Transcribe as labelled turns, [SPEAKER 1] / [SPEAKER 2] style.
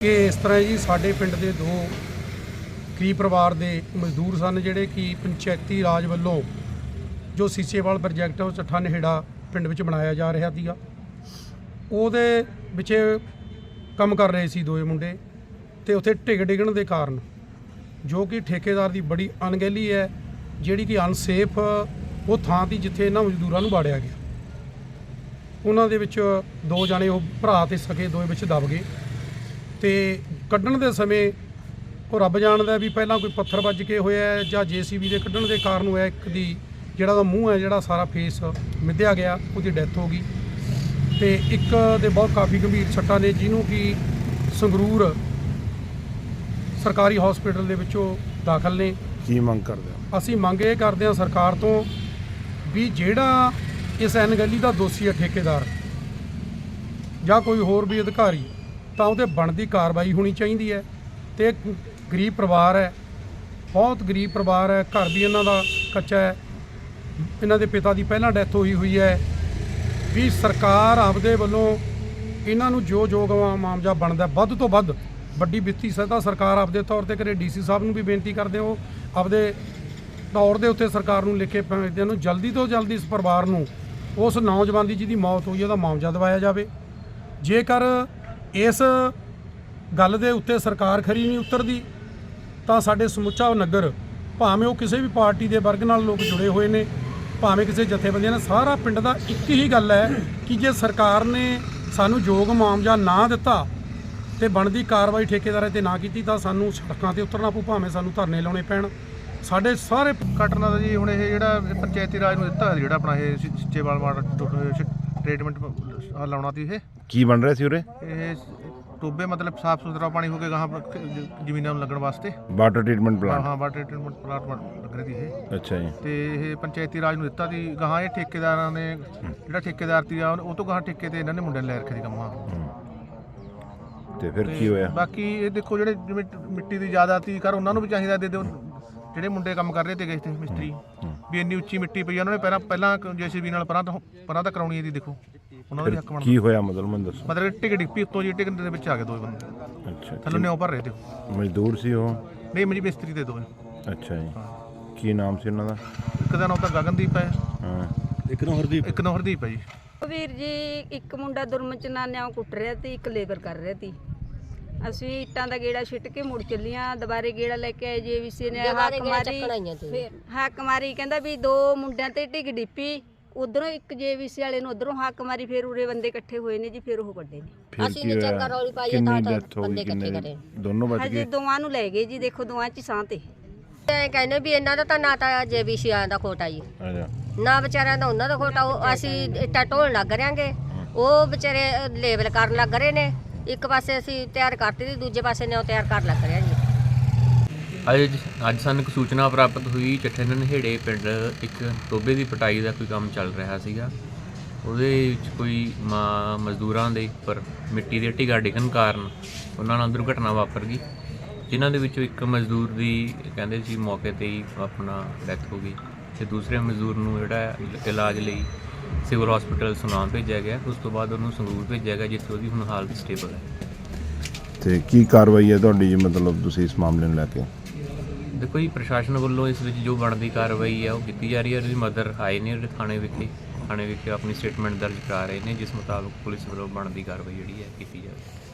[SPEAKER 1] कि इस तरह जी साडे पिंड दे दो गरीब परिवार दे मजदूर सन जिहड़े कि पंचायती राज वालों जो सीसेवाल प्रोजैक्ट उस चट्ठा नहेड़ा पिंड विच बनाया जा रहा सीगा ਉਹਦੇ ਵਿੱਚ ਕੰਮ कर रहे सी दोए मुंडे ते उत्थे ढिग डिगण दे कारण जो कि ठेकेदार की बड़ी अणगहली है जिहड़ी कि अनसेफ वो थां ती जिथे इन्हां मजदूरां नूं वाड़िया गया। उन्हां दे विच दो जाने वो भरा ते सके दोए विच दब गए ते कड्ढण दे समय वो रब जाणदा भी पहलां कोई पत्थर वज के होया जां JCB दे कड्ढण दे कारण होया। एक दी जिहड़ा दा मूँह है जिहड़ा सारा फेस मिद्धिया गया उसदी डैथ हो गई ते एक दे बहुत काफ़ी गंभीर सट्टां ने जिन्हों कि संगरूर सरकारी हॉस्पिटल दे विचों दाखल ने।
[SPEAKER 2] की मंग करदे हो?
[SPEAKER 1] असीं मंग ये करदे हां सरकार तो भी जिहड़ा इस अनगहली दा दोषी है ठेकेदार जां कोई होर भी अधिकारी तां उहते बनदी कार्रवाई होनी चाहिदी है। ते गरीब परिवार है, बहुत गरीब परिवार है, घर भी इन्हां दा कच्चा है, इन्हां दे पिता दी पहलां डैथ होई हुई है। भी सरकार आपदे वल्लों इन्हां नूं जो मुआवजा बनदा वध तो वध वड्डी ਵਿੱਤੀ सहायता सरकार आपदे तौर ते करे। DC साहब नूं भी बेनती करदे हो आपदे तौर दे उत्ते सरकार नूं लिखे भेजदे नूं जल्दी तो जल्दी इस परिवार नूं उस नौजवान दी जिहदी मौत होई उहदा मुआवजा दिवाया जावे। जेकर इस गल दे उत्ते सरकार खरी नहीं उतरदी तां साडे समुच्चा नगर भावें वो किसी भी पार्टी दे वर्ग नाल लोग जुड़े हुए ने भावें किसी जथेबंदियां ने सारा पिंड दा एक ही गल है कि जे सरकार ने सानू योग मुआवजा ना दिता तो बनदी कार्रवाई ठेकेदारां ते ना कीती तां सानू सड़कां ते उतरना पऊ, भावें सानू धरने लाउणे पैण। साडे सारे
[SPEAKER 3] कटना दा जी हुण इह जिहड़ा पंचायती राज नूं दित्ता जिहड़ा अपना इह सीचेवाल वाटर ट्रीटमेंट लाउणा सी
[SPEAKER 2] की बन रहा सी उरे?
[SPEAKER 3] इह टोबे मतलब साफ सुथरा पानी हो के गां जमीनां नूं लगण वास्ते
[SPEAKER 2] वाटर ट्रीटमेंट प्लांट।
[SPEAKER 3] हाँ वाटर ट्रीटमेंट प्लांट लग रही थी इह।
[SPEAKER 2] अच्छा जी।
[SPEAKER 3] ते इह पंचायती राज नूं दित्ता सी गां इह ठेकेदारां ने जिहड़ा ठेकेदार सी ਉਹ ਤੋਂ गां ठेके ते इन्हां ने मुंडे ने लै रखे सी ਕੰਮ।
[SPEAKER 2] ਤੇ ਫਿਰ ਕੀ ਹੋਇਆ?
[SPEAKER 3] ਬਾਕੀ ਇਹ ਦੇਖੋ ਜਿਹੜੇ ਜਿਵੇਂ ਮਿੱਟੀ ਦੀ ਜ਼ਿਆਦਾ ਤੀ ਕਰ ਉਹਨਾਂ ਨੂੰ ਵੀ ਚਾਹੀਦਾ ਦੇ ਦਿਓ ਜਿਹੜੇ ਮੁੰਡੇ ਕੰਮ ਕਰ ਰਹੇ ਤੇ ਗਏ ਤੇ ਮਿਸਤਰੀ ਵੀ ਇੰਨੀ ਉੱਚੀ ਮਿੱਟੀ ਪਈ ਉਹਨਾਂ ਨੇ ਪਹਿਲਾਂ JCB ਨਾਲ ਪਰਾਂ ਤਾਂ ਕਰਾਉਣੀ ਇਹਦੀ ਦੇਖੋ ਉਹਨਾਂ ਦਾ ਵੀ ਹੱਕ ਬਣਦਾ।
[SPEAKER 2] ਕੀ ਹੋਇਆ ਮੈਨੂੰ ਦੱਸੋ?
[SPEAKER 3] ਮਤਲਬ ਟਿਕ ਡਿੱਪੀ ਉੱਤੋਂ ਜੀ ਟਿਕ ਦੇ ਵਿੱਚ ਆ ਗਏ ਦੋ ਬੰਦੇ।
[SPEAKER 2] ਅੱਛਾ।
[SPEAKER 3] ਥੱਲੋਂ ਨਿਉ ਭਰ ਰਹੇ ਤੇ
[SPEAKER 2] ਮਜ਼ਦੂਰ ਸੀ ਉਹ?
[SPEAKER 3] ਨਹੀਂ ਮੇਰੀ ਮਿਸਤਰੀ ਤੇ ਦੋਵੇਂ।
[SPEAKER 2] ਅੱਛਾ ਜੀ। ਕੀ ਨਾਮ ਸੀ ਉਹਨਾਂ ਦਾ?
[SPEAKER 3] ਇੱਕ ਦਾ ਨਾਮ ਤਾਂ ਗਗਨਦੀਪ ਹੈ।
[SPEAKER 2] ਹਾਂ।
[SPEAKER 3] ਇੱਕ ਨੂੰ ਹਰਦੀਪ ਹੈ ਜੀ।
[SPEAKER 4] ਵੀਰ ਜੀ ਇੱਕ ਮੁੰਡਾ ਦੁਰਮਨ ਚ ਨਾਨਿਆਂ ਕੁੱਟ ਰਿਹਾ ਤੇ ਇੱਕ ਲੇਬਰ ਕਰ ਰਿਹਾ ਸੀ। ਅਸੀਂ ਇੱਟਾਂ ਦਾ ਗੇੜਾ ਛਿੱਟ ਕੇ ਮੁੜ ਚੱਲੀਆਂ, ਦੁਬਾਰੇ ਗੇੜਾ ਲੈ ਕੇ ਆਏ JVC ਨੇ ਹੱਕ ਮਾਰੀ ਕਹਿੰਦਾ ਵੀ ਦੋ ਮੁੰਡਿਆਂ ਤੇ ਢਿੱਗ ਡਿੱਪੀ ਉਧਰੋਂ ਇੱਕ JVC ਵਾਲੇ ਨੂੰ ਉਧਰੋਂ ਹੱਕ ਮਾਰੀ ਫਿਰ ਉਰੇ ਬੰਦੇ ਇਕੱਠੇ ਹੋਏ ਨੇ ਜੀ ਫਿਰ ਉਹ ਕੱਢੇ ਨੇ।
[SPEAKER 2] ਅਸੀਂ ਨੇ ਚੰਗਾ ਰੌਲੀ ਪਾਈ ਤਾਂ ਬੰਦੇ ਇਕੱਠੇ ਕਰੇ ਦੋਨੋਂ ਬਚ ਗਏ।
[SPEAKER 4] ਹਾਂਜੀ ਦੋਵਾਂ ਨੂੰ ਲੈ ਗਏ ਜੀ, ਦੇਖੋ ਦੋਵਾਂ ਚ ਸਾਹ ਤੇ
[SPEAKER 5] ਕਹਿੰਦੇ ਵੀ ਇਹਨਾਂ ਦਾ ਤਾਂ ਨਾ ਤਾਂ JVC ਦਾ ਖੋਟਾ ਜੀ ਨਾ ਵਿਚਾਰਿਆਂ ਦਾ ਉਹਨਾਂ ਦਾ ਖੋਟਾ। ਉਹ ਅਸੀਂ ਇੱਟਾਂ ਢੋਣ ਲੱਗ ਰਿਆਂਗੇ, ਉਹ ਵਿਚਾਰੇ ਲੇਬਲ ਕਰਨ ਲੱਗ ਰਹੇ ਨੇ। ਇੱਕ ਪਾਸੇ ਅਸੀਂ ਤਿਆਰ ਕਰਤੀ ਤੇ ਦੂਜੇ ਪਾਸੇ ਨੇ ਉਹ ਤਿਆਰ ਕਰ ਲੱਗ ਰਿਹਾ ਜੀ।
[SPEAKER 6] ਅੱਜ ਸਾਨੂੰ ਇੱਕ ਸੂਚਨਾ ਪ੍ਰਾਪਤ ਹੋਈ ਚੱਠੇ ਨਹੇੜੇ ਪਿੰਡ ਇੱਕ ਟੋਬੇ ਦੀ ਪਟਾਈ ਦਾ ਕੋਈ ਕੰਮ ਚੱਲ ਰਿਹਾ ਸੀਗਾ। ਉਹਦੇ ਵਿੱਚ ਕੋਈ ਮਜ਼ਦੂਰਾਂ ਦੇ ਉੱਪਰ ਮਿੱਟੀ ਦੇ ਢਿੱਗਾ ਡਿੱਗਣ ਕਾਰਨ ਉਹਨਾਂ ਨਾਲ ਦੁਰਘਟਨਾ ਵਾਪਰ ਗਈ, ਜਿਨ੍ਹਾਂ ਦੇ ਵਿੱਚੋਂ ਇੱਕ ਮਜ਼ਦੂਰ ਦੀ ਕਹਿੰਦੇ ਸੀ ਮੌਕੇ 'ਤੇ ਹੀ ਆਪਣਾ ਡੈਥ ਹੋ ਗਈ ਅਤੇ ਦੂਸਰੇ ਮਜ਼ਦੂਰ ਨੂੰ ਜਿਹੜਾ ਇਲਾਜ ਲਈ ਸਿਵਲ ਹਸਪੀਟਲ ਸੁਨਾਮ ਭੇਜਿਆ ਗਿਆ। ਉਸ ਤੋਂ ਬਾਅਦ ਉਹਨੂੰ ਸੰਗਰੂਰ ਭੇਜਿਆ ਗਿਆ ਜਿੱਥੇ ਉਹਦੀ ਹੁਣ ਹਾਲਤ ਸਟੇਬਲ ਹੈ।
[SPEAKER 2] ਤੇ ਕੀ ਕਾਰਵਾਈ ਹੈ ਤੁਹਾਡੀ ਜੀ, ਮਤਲਬ ਤੁਸੀਂ ਇਸ ਮਾਮਲੇ ਨੂੰ ਲੈ ਕੇ?
[SPEAKER 6] ਦੇਖੋ ਜੀ ਪ੍ਰਸ਼ਾਸਨ ਵੱਲੋਂ ਇਸ ਵਿੱਚ ਜੋ ਬਣਦੀ ਕਾਰਵਾਈ ਹੈ ਉਹ ਕੀਤੀ ਜਾ ਰਹੀ ਹੈ। ਉਹਦੀ ਮਦਰ ਆਏ ਨੇ ਥਾਣੇ ਵਿਖੇ ਆਪਣੀ ਸਟੇਟਮੈਂਟ ਦਰਜ ਕਰਾ ਰਹੇ ਨੇ, ਜਿਸ ਮੁਤਾਬਕ ਪੁਲਿਸ ਵੱਲੋਂ ਬਣਦੀ ਕਾਰਵਾਈ ਜਿਹੜੀ ਹੈ ਕੀਤੀ ਜਾਵੇ।